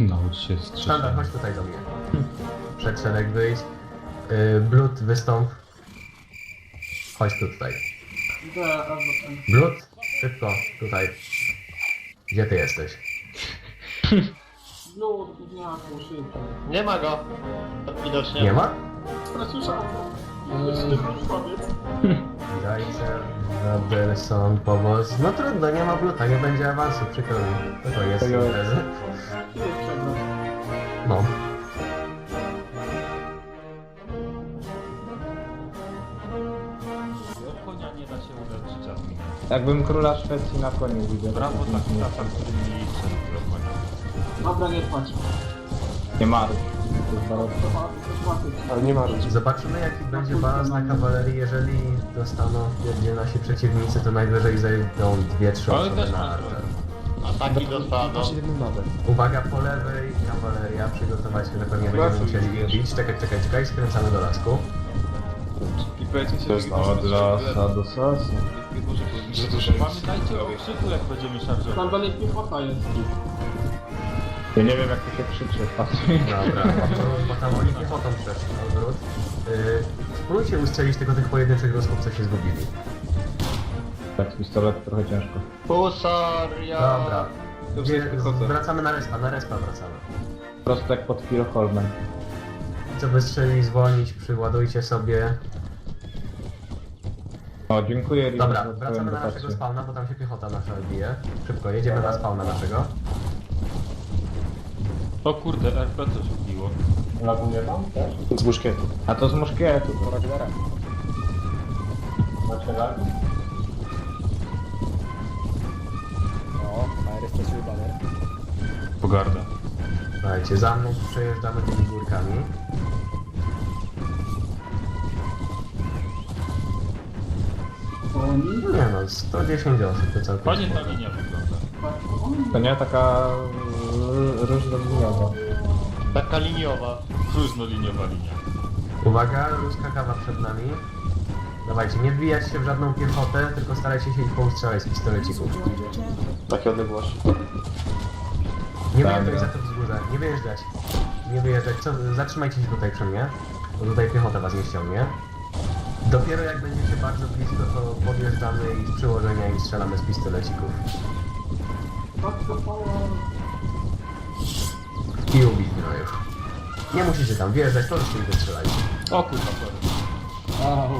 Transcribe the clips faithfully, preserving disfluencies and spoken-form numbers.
Naucz się Sztandar, strzelać. chodź tutaj do mnie. Przed szereg wyjść. Yy, Blut, wystąp. Chodź tu tutaj. Blut, szybko, tutaj. Gdzie ty jesteś? Nie ma go. Widocznie. Nie ma? Słyszałem. Zajcer, Robertson, powóz. No trudno, nie ma Bluta, nie będzie awansu, przykro mi. No to jest imprezy. No. Od konia nie da się uleczyć żadnych. Jakbym króla Szwecji na koniu widział. Brawo tak tata, który mi liczy na konia. Dobra, nie płacz. Nie ma. To jest baroczne. Ale nie ma ludzi. Zobaczymy jaki będzie balans na kawalerii, jeżeli dostaną wpierdzie nasi przeciwnicy, to najwyżej zejdą dwie, trzy Ale osoby też na ma archer. Ataki dostaną. Uwaga, po lewej kawaleria, przygotować się, że pewnie będziemy musieli ich bić. Czekaj, czekaj, czekaj, skręcamy do lasku. I powiedzmy się, To jest od lasa do sosu. Pamiętajcie o krzyku, jak będziemy szarżować. Tam dalej piechota jest. Ja nie wiem jak to się krzyczy, patrz. Dobra, bo, bo tam oni piechotą przeszli, odwrót. Yy, spróbujcie ustrzelić tylko tych pojedynczych Rusków, co się zgubili. Tak, z pistoletu trochę ciężko. Husaria. Dobra. Dobrze, Gdzie, wychodzę. wracamy na respa, na respa wracamy. Prosto jak pod Firoholmem. Co wystrzeli, zwolnić, przyładujcie sobie. O, dziękuję Riven, Dobra, za twoją wracamy na dotację. naszego spawna, bo tam się piechota nasza bije. Szybko, jedziemy na spawna naszego. O kurde, R P coś wbiło. Z muszkietu. A to z muszkietu, to Ragnara. Pogarda. Słuchajcie, za mną przejeżdżamy tymi górkami. Nie no, sto dziesięć osób to całkiem Fajnie sporo. ta linia wygląda. To nie taka różnorodna. Taka liniowa. Różnoliniowa linia. Uwaga, ruska kawa przed nami. Dawajcie, nie wbijać się w żadną piechotę, tylko starajcie się ich poustrzelać z pistolecików. Takie odległości. Nie Dobra. wyjeżdżać za to wzgórze, nie wyjeżdżać. Nie wyjeżdżać, co, zatrzymajcie się tutaj przy mnie, bo tutaj piechota was nie ściągnie. Dopiero jak będziecie bardzo blisko, to podjeżdżamy i z przyłożenia i strzelamy z pistolecików. I ubić gnojów. Nie musicie tam wjeżdżać, po prostu ich wystrzelajcie. O kurwa, sorry.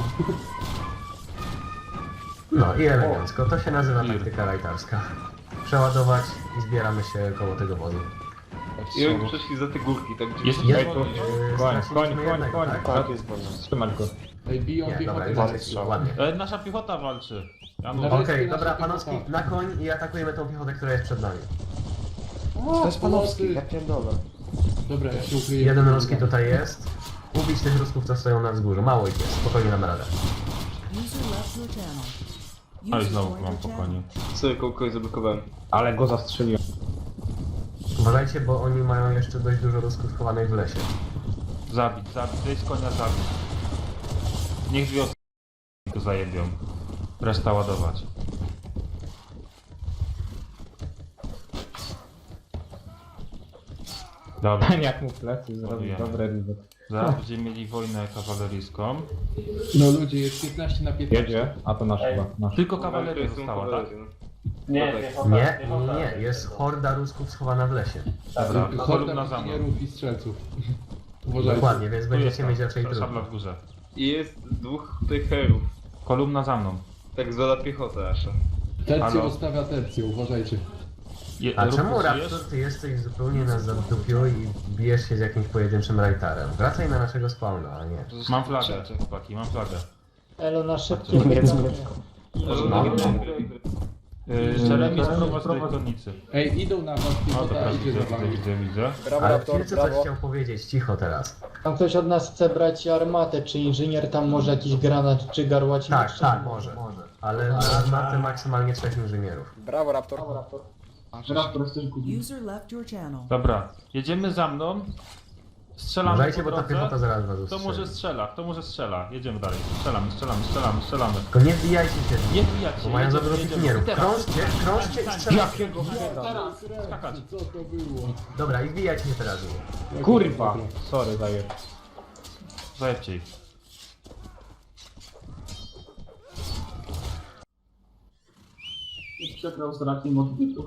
No i elegancko, to się nazywa Ir. taktyka rajtarska. Przeładować i zbieramy się koło tego wozu. I oni przeszli za te górki, tak gdzie... Jest Jest, jest yy, Koń, koń, straciliśmy koń, jednego, koń. tak? Tak, jest bardzo. Trzymać go. Ej, biją Nie, dobra, piechotę. jest ładnie. e, Nasza piechota walczy. Ja Na mówię. Okej, Nasze dobra, piechota. Panowski, na koń i atakujemy tą piechotę, która jest przed nami. To jest Panowski. Ja pierdolę. Dobra, ja się ukryję. Jeden ruski tutaj jest. Ubić tych rusków, co stoją na wzgórzu. Mało ich jest, spokojnie damy radę. A i znowu mam po koniu. Sobie kogoś zablokowałem. Ale go zastrzeliłem. Uważajcie, bo oni mają jeszcze dość dużo rusków schowanych w lesie. Zabić, zabić, wyjść z konia, zabić. Niech dwie osoby go zajebią. Reszta ładować. Dobra, Jak mu plecy zrobił, Ładujemy. dobre Riven. zaraz będziemy mieli wojnę kawaleryjską. No ludzie, jest piętnaście na piętnaście. Jedzie? A to nasz chyba, nasz. Tylko kawaleria została, tak? Nie, nie, nie, jest horda rusków schowana w lesie. Dobra, kolumna Horda za mną. inżynierów i strzelców. Uważajcie. Dokładnie, więc Tu będziecie jest mieć ta, raczej ta szabla trudno. w górze. I jest dwóch tych herów. Kolumna za mną. Tak zwana piechota nasza. Tercjo Halo. ustawia tercję, uważajcie. Je, A Rufus, czemu żyjesz? Raptor, ty jesteś zupełnie na zadupiu i bijesz się z jakimś pojedynczym rajtarem? Wracaj na naszego spawna, a nie. Mam flagę, chłopaki, mam flagę. Elo na szybkie. No. Yy, Jeremy sprowadź do konnicy. Ej, idą na was, O, piechota dobra, idzie widzę, za widzę, wami. widzę, widzę. Ale Filcu coś chciał powiedzieć, cicho teraz. Tam ktoś od nas chce brać armatę, czy inżynier tam może jakiś granat czy garłacik? Tak, tak, może. Ale na armatę maksymalnie trzech inżynierów. Brawo, Raptor. Raptor, chcesz kupić. User left your channel. Dobra, jedziemy za mną. Strzelamy Uważajcie, po bo ta drodze. piechota zaraz was Kto ustrzeli. może strzela? Kto może strzela? Jedziemy dalej. Strzelamy, strzelamy, strzelamy, strzelamy, strzelamy. Tylko nie wbijajcie się. Nie wbijać się, Bo mają za jedziemy, dużo jedziemy. pikinierów. I teraz. Krążcie, krążcie i strzelajcie. Jakiego Teraz, Skakać. co to było? Dobra, i wbijajcie się teraz. Kurwa! Sorry, daję. Zajebcie ich. Przegrał z rakiem odbytu.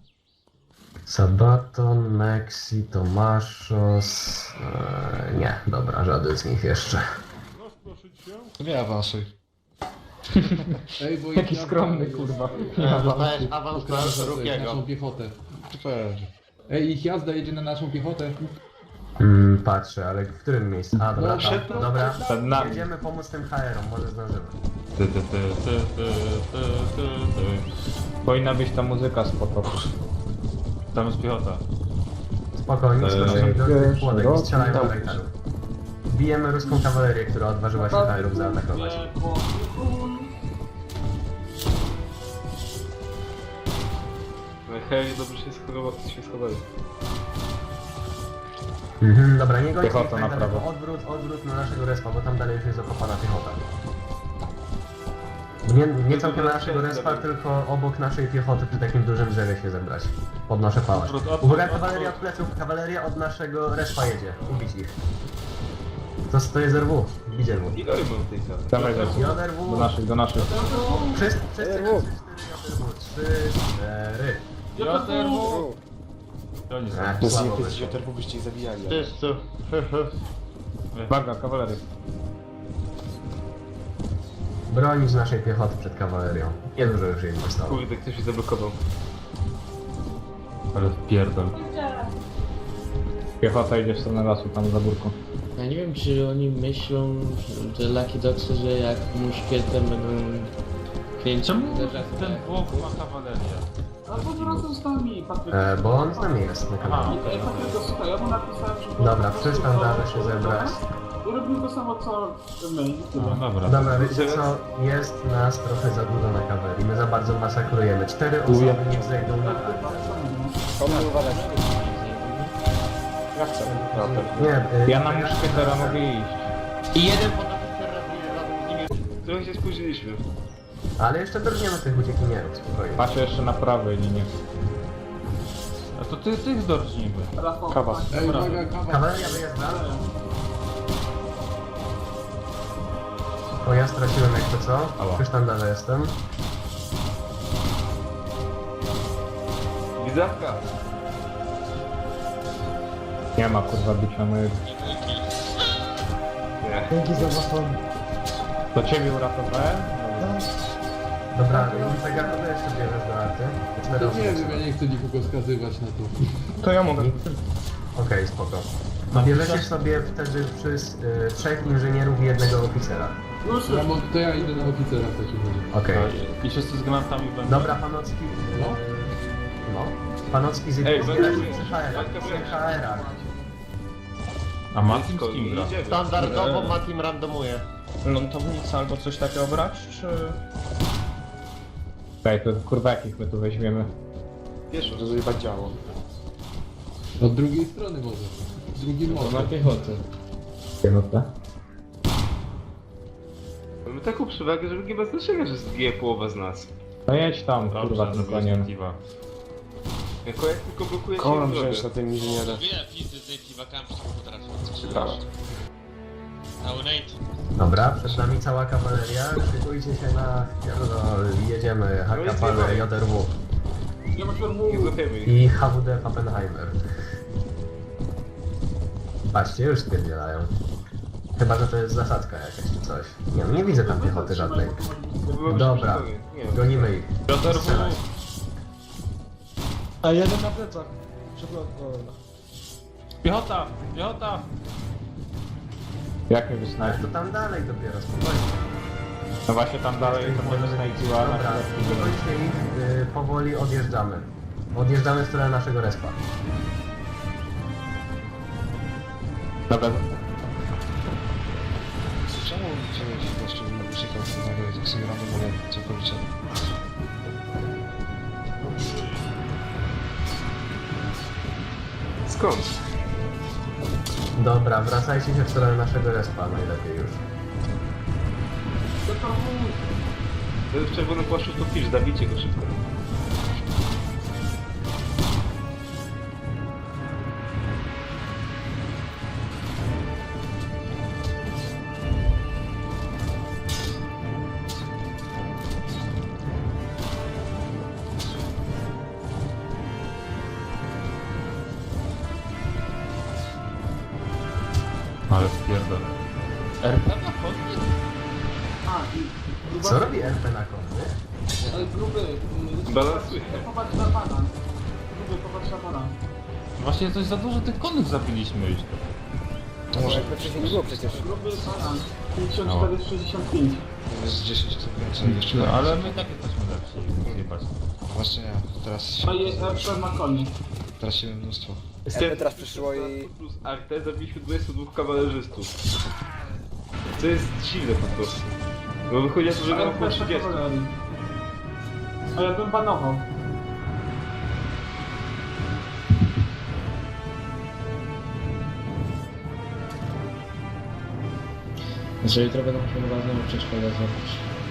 Sabaton, Mexi, Tomaszos... Eee, nie, dobra, żaden z nich jeszcze. Nie awansuj. Ej, bo Jaki ich skromny, jazda kurwa. jest- Awans, awans Pokażę na sobie Rukiego. naszą piechotę. Super. Ej, ich jazda jedzie na naszą piechotę. Mm, patrzę, ale w którym miejscu? A, dobra, No, tam. przed- Dobra. Przed nami. Jedziemy pomóc tym H R-om, może zdążymy. Ty, ty, ty, ty, ty, ty, ty, ty. Powinna być ta muzyka z potopu. Tam jest piechota. Spokojnie, Eee, skoczymy do tych płodek i szeroki strzelają do dał. rajtarów. Bijemy ruską kawalerię, która odważyła się H R-ów zaatakować. Hej, dobrze się schował, się schowali. Mhm, dobra, nie gońcie ich Piechota tak na daleko. prawo. Odwrót, odwrót na naszego respa, bo tam dalej już jest okopana piechota. Nie, nie całkiem na naszego respa, tylko obok naszej piechoty przy takim dużym drzewie się zebrać. Podnoszę pałę. Odwrót, odwrót, Uwaga, odwrót. kawaleria od pleców, kawaleria od naszego respa jedzie. Ubić ich. To, to jest R W, bić R W. Ile mam tej karty? Dawaj, Zecu. J Do R W, naszych, do naszych. wszyscy, wszyscy na trzy cztery, trzy, cztery. Oni są. Ech, Bez słabo bez wyszło. dzioterów byście ich zabijali. Wszyscy. Uwaga, kawalery. Bronić naszej piechoty przed kawalerią. Niedużo już jej zostało. Kurde, ktoś się zablokował. Ale wpierdol. Piechota idzie w stronę lasu, tam za górką. Ja nie wiem, czy oni myślą, że Lucky Dogsy, że jak muszkietem będą kręcić Czemu uderzać, ten tak? Włoch ma kawalerię? A po prostu z nami, Patryk. E, bo on z nami jest na Aha, kanale. Ej, Patryk, słuchaj, ja mu napisałem, że... Dobra, przestań dalej się zebrać. I robił to samo, co my. i tyle. No dobra. Dobra, wiecie co? Jest nas trochę za dużo na kawerii. My za bardzo masakrujemy. Cztery osoby niech zejdą na Ja chcę. Nie, y, Ja na muszkietera mogę iść. I jeden podoficer razem z nimi. Trochę się spóźniliśmy. ale jeszcze drgniemy tych uciekinierów, spokojnie. Patrzę jeszcze na prawej linie. A to ty, tych zdorżnimy. Rafał, Kawa. Ej, uwaga, kawa. Kawaleria wyjeżdża. O, ja straciłem jak to co? Ała. Już tam dalej jestem. Widzawka! Nie ma kurwa bicia mojego. Nie. Dzięki za waszą... To ciebie uratowałem? Dobra, i tak jak to jeszcze bierzesz do arty? Cztery To osoby. nie wiem, ja nie chcę nikogo skazywać na to. To ja mogę. Okej, spoko. Bierzecie sobie wtedy przy y, trzech inżynierów i jednego oficera. Ja mo- to ja idę na oficera w takim razie. Okej. I wszyscy z granatami będą. Dobra, Panocki. No? No. Panocki z Ej, jednym będę- przy H R-ach. Przy H R-ach. A Martin z kim gra? Idziemy. Standardowo Matim randomuje. Lądownica albo coś takiego brać, czy... Daj, to kurwa jakich my tu weźmiemy. Wiesz, Żeby zjebać działo. Od drugiej strony może. Z drugim To na może. piechotę. Piechota. mamy taką przewagę, że nie ma znaczenia, że zginie połowa z nas. No jedź tam, kurwa, Dobrze, tym zrobiłeś koniem. Steve'a. Jako jak tylko blokuje się Kołem drogę. wziąć na tym inżynierze. Wiele pizdy z tej piwakami potrafią Tak. Taunate. Dobra, przed nami cała kawaleria. Szykujcie się na pierdol. Jedziemy. H K P, J R W Nie ma się Nie złapiemy ich. i H W D Pappenheimer. Patrzcie, już stwierdzielają. Chyba, że to jest zasadzka jakaś czy coś. Nie, no nie widzę tam piechoty żadnej. Dobra, Nie, gonimy ich. Piotr Strzelać. A jeden na plecach. Przepraszam. Piechota! Piechota! Jak mnie Ale wysnajpi? to tam dalej dopiero, spokojnie. No właśnie tam dalej to mnie wysnajpiła na Dobra, chwilę. gońcie ich, y, powoli odjeżdżamy. Odjeżdżamy w stronę naszego respa. Dobra, Czemu wziąłeś jeszcze muzykę z tak sobie randomowo całkowicie? Skąd? Dobra, wracajcie się w stronę naszego respa najlepiej już. Doktor Wu. To jest w czerwonym płaszczu to pisz, zabijcie go szybko. Ale spierdolę. R P na chodnik? A, i... i Co robi R P na konny? Ej, gruby. y, Balansuje. Popatrz na pana. Gruby, popatrz na pana. Właśnie coś za dużo tych konnych zabiliśmy już. To może Gruby pana. pięćdziesiąt cztery sześćdziesiąt pięć. jest dziesięć co więcej jeszcze. No, ale my tak jesteśmy lepsi, zjebać. Właśnie ja, teraz A się, jest R P na koni. teraz się mnóstwo. teraz przyszło i... Plus Arte zabiliśmy dwudziestu dwóch kawalerzystów. To jest dziwne po prostu. Bo wychodzi na to, że A miał R P około na trzydziestu. kawalerii. A ja bym panował. Że jutro będą musieli chyba znowu przeszkodę zrobić.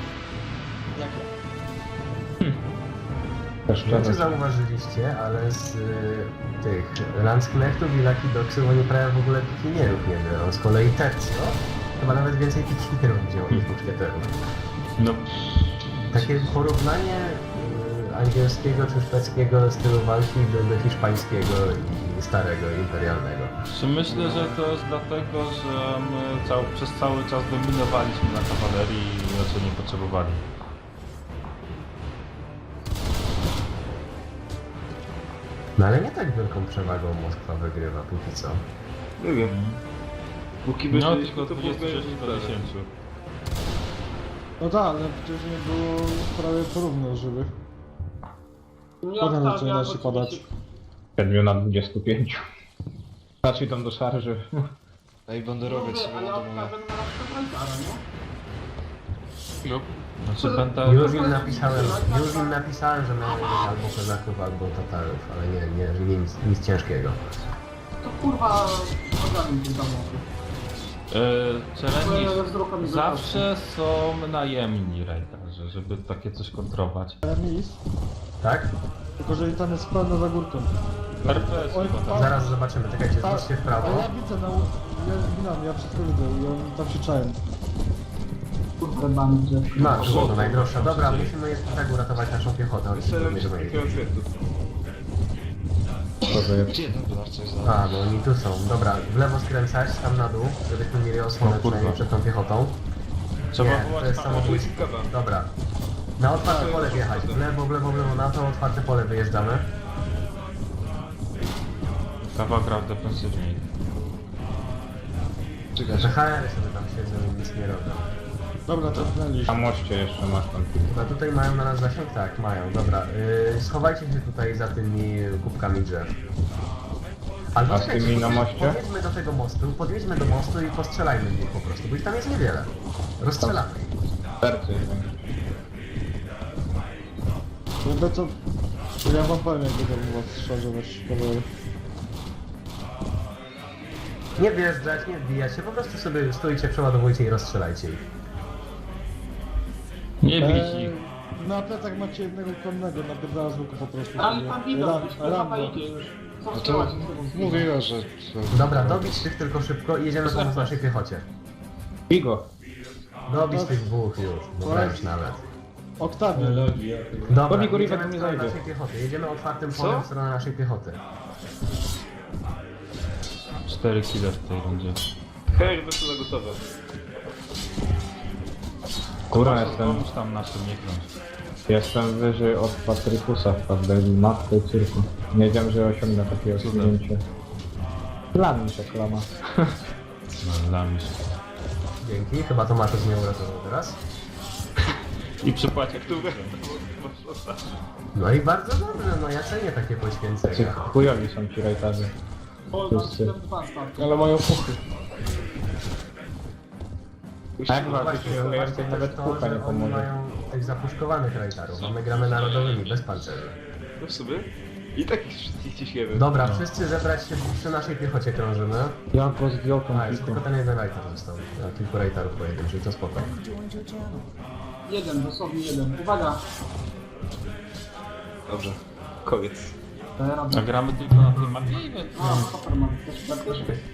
Nie wiem, czy zauważyliście, ale z y, tych Landsknechtów i Lucky Dogsów oni prawie w ogóle pikinierów nie biorą. Z kolei Tercio chyba nawet więcej pikinierów wzięło niż muszkieterów. No, Takie porównanie y, angielskiego czy szwedzkiego stylu walki do, do hiszpańskiego i starego, imperialnego. czy myślę, że to jest dlatego, że my cał, przez cały czas dominowaliśmy na kawalerii i raczej nie potrzebowali. No ale nie tak wielką przewagą Moskwa wygrywa póki co. Nie wiem. Póki No, wyszliśmy, tylko to było dwadzieścia sześć do dziesięciu. No tak, ale przecież nie było prawie porówno żywych. Nie Potem obstawiam, zaczyna się oczywiście. padać. siedmiu na dwudziestu pięciu. Patrz, idą do szarży. Ej, banderowiec Gruby, sobie a ja ląduje. obstawiam na przykład Rajtara, nie? No. Znaczy będę... Już im napisałem, już im napisałem, że mają być albo kozaków, albo tatarów, ale nie, nie, że nie nic, nic ciężkiego. To kurwa ogarnij tych domów. Yy, Czereni Bo ja z rokami zawsze są najemni rajdarzy, żeby takie coś kontrować. Mis, Tak? tylko że tam jest pełno za górką. R P S Oj, chyba tam. Zaraz zobaczymy, czekajcie, zwróćcie w A prawo. ja widzę, no, ja zginam, ja wszystko widzę i oni tam się czają. Kurwa bandzie. Ma, było to najdroższa. Dobra, musimy jeszcze tak uratować naszą piechotę. Chodźcie, Strzelam nie żeby wszystkich kierowców. Gdzie ten dolar coś za? A, bo oni tu są. Dobra, w lewo skręcać, tam na dół, żebyśmy mieli osłonę O kurwa. przynajmniej przed tą piechotą. Trzeba Nie, to wołać jest samobójstwo. Dobra. Na otwarte pole wjechać. W lewo, w lewo, w lewo, na to otwarte pole wyjeżdżamy. Kawa gra w defensywniej. Czekaj, Że H R sobie tam siedzą i nic nie robią. Dobra, Na cofnęliśmy. moście jeszcze masz tam. Chyba tutaj mają na nas zasięg? Tak, mają. Dobra, yy, schowajcie się tutaj za tymi kubkami drzew. Albo A z czekajcie, tymi na podjedź- moście? Podjedźmy do tego mostu, podjedźmy do mostu i postrzelajmy w nich po prostu, bo ich tam jest niewiele. Rozstrzelamy ich. Serce. Jakby co... Ja wam powiem, jak będę u was szarżować kawałek. Nie wjeżdżać, nie wbijać się, po prostu sobie stoicie, przeładowujcie i rozstrzelajcie ich. Nie bić Eee, ich. na plecach macie jednego konnego, napierdala z łuku po prostu. Ale pan widok, Ram- już kurwa Rambo. idzie już. Co no to strzelać z tego? mówiła, że... Dobra, dobić tych tylko szybko i jedziemy pomóc naszej piechocie. Bigo. Dobić tych dwóch już, no wręcz nawet. Oktawian. Dobra, Dobij go, jedziemy Riven, w nie stronę zajdzie. naszej piechoty, jedziemy otwartym Co? polem w stronę naszej piechoty. Cztery kile w tej rundzie. Hej, wesele gotowe. Kurwa, Proszę, jestem, pomóż tam naszym nie kląć. jestem wyżej od Patrykusa w każdej matce i cyrku. Nie wiedziałem, że osiągnę takie osiągnięcie. Dla mnie się klama. No, lamisz. Dzięki, chyba to Matus mnie uratował teraz. I przypłacie które? No i bardzo dobrze, no ja cenię takie Czy poświęcenia. chujowi są ci rajtarzy. O, Wszyscy. na dwa stawki. Ale mają puchy. A jak No walczyć właśnie, się zobaczcie więcej, też nawet to, pucha że nie oni pomoże. mają tych zapuszkowanych rajtarów, a my gramy narodowymi, bez pancerzy. No w sobie? I tak ich wszystkich ciśniemy. Dobra, wszyscy zebrać się przy naszej piechocie krążymy. Ja go zdjął tą A, jest tylko ten jeden rajter został. Ja, kilku rajterów pojedynczych, to spoko. Jeden, dosłownie jeden. Uwaga! Dobrze. Koniec. Daję radę. A gramy tylko na tym mapie? A, super, mam też praktycznie.